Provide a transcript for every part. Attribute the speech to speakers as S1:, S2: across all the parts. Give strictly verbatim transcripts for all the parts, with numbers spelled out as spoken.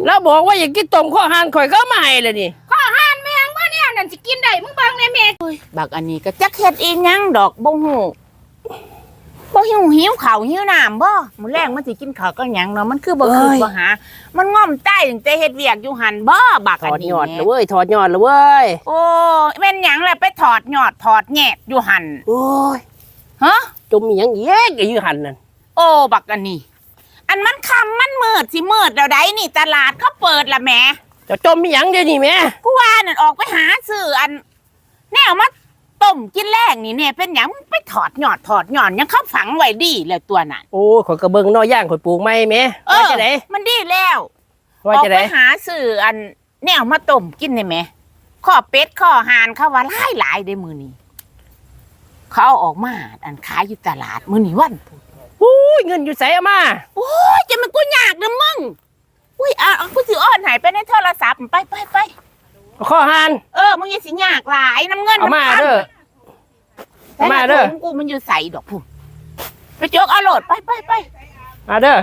S1: แล้วบอกว่าอยากกินต้มข้อหานข่อยก็ไม่ให้เลยนี่
S2: ข้อหานแมงว่าเนี่ยนั่นสิกินได้มึงเบิ่งในแม่
S3: บักอันนี้ก็จักเฮ็ดอีหยังดอกบ่ฮู้บ่หิวหิวข้าวหิวน้ำบ่มื้อแรงมันสิกินข้าวก็หยังเนาะมันคือบ่คือบ่หามันง่อมใต้ตั้งแต่เฮ็ดเวียกอยู่หั่นบ่บัก
S1: ถอด
S3: อันนี้
S1: ยอดเลยเว้ยถอดยอดเลยเว้ย
S3: โอ้แม่นหยังล่ะไปถอดยอดถอดแหนบอยู่หั่น
S1: โอ้ย
S3: ฮะ
S1: จมมีหยังแย่อยู่หั่นนั่น
S3: โอ้บักอันนี้อันมันค่ำมันมืดสิมืดแล้วใดนี่ตลาดเขาเปิดละแหม
S1: จะจมมีหยังเดี๋ยวนี้แม่
S3: กูว่านั่นออกไปหาซื้ออันแนวมาต้มกินแรกนี่เนี่ยเป็นหยังไปถอดหยอดถอดหยอดยังเขาฝังไว้ดีเลยตัวนั้น
S1: โอ้ข่อยกระเบิงนอย่างข่อยปลูกไม่แม่
S3: ว่าจะไหนมันดีแล้วออกไปหาซื้ออันแนวมาต้มกินได้ไหมข้อเป็ดข้อห่านเขาว่าหลายหลายได้มือนี้เขาเอาออกมาอันขายอยู่ตลาดมือนี้วัน
S1: โอ้ยเงินอยู่ใส่อามา
S3: โอ้ยจะมันกูยากนะมึงอุ้ยอ่ะกูถืออ้อนหายไปในโทรศัพท์ไปไปไป
S1: ข้อหาน
S3: เออมึงอย่าสิยากหลายน้ำเงิน
S1: เอามาเด้อเอามาเด้อ
S3: กูมันอยู่ใส่ดอกพุ่มไปโจกเอาโหลดไปไปไป
S1: มาเด้อ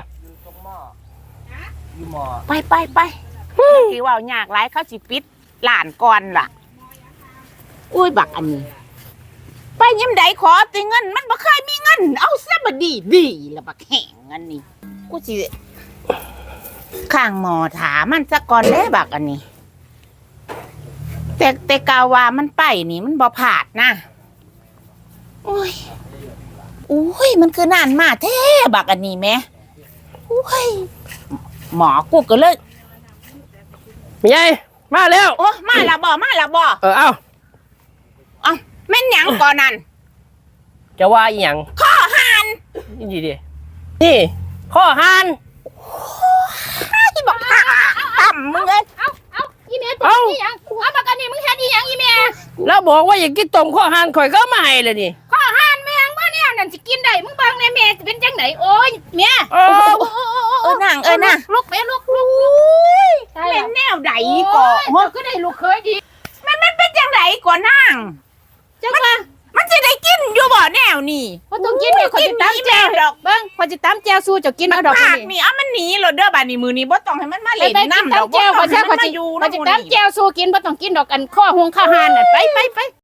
S3: ไปไปไปที่ว่ายากหลายเขาสิปิดหลานก่อนล่ะอุ้ยบักอันนี้ไปยิ้มใดขอตีเงินมันบ่เคยมีเงินเอาซะบดีดีละบักแห้งอันนี้กูสิข้างหมอถามันซะก่อนได้บักอันนี้แต่แต่กาว่ามันไปนี่มันบ่ผาดนะโอ้ยโอ้ยมันคือนานมาแท้บักอันนี้แม่โอ้ยหมอกูก็เลย
S1: มีไงมาแล้ว
S3: โอ้มาละบ่มาละบ่
S1: เออเอา
S3: เอาแม่นหยังก่อนนั่น
S1: จะว่าอีหยัง
S3: ข้อหาน
S1: นี่ดินี่ข้อหาน
S3: ที่บอกต่ำมึงเอ้ย
S2: เอาเอาอีเมลตัวนี้ยังเอาบักอันนี้มึงเฮ็ดอีหยังอีเมล
S1: แล้วบอกว่าอยากกินต้มข้อหานข่อยก็ไม่ให้เลยนี่
S2: ข้อหานแมงว่าเนี่ยนั่นสิกินได้มึงเบิ่งในแม่เป็นจังไดโอ้ยแม่
S3: เออเออนั่งเออนั่ง
S2: ลุกไปลุกลุก
S3: เป็นแนวใดก่อน
S2: โอ้ก็ได้ลูกเคยดี
S3: มันมันเป็นจังไดก่อนนั่ง
S2: จังว่า
S3: มันจะได้กินอยู่บ่แนวนี่
S2: บ่ต้องกินเดี๋ยวคนจะตามแจวดอกเบิ่งคนจะตามแจวสู้จะกินเอาดอก
S3: นี่นี่เอามันหนีโลดเด้อบัดนี้มือนี้บ่ต้องให้มันมาเล่นน้ำดอก
S2: แจวขอแจวขอจะตามแจวสู้กินบ่ต้องกินดอกอันข้อหงข้าหานน่ะไปไปไป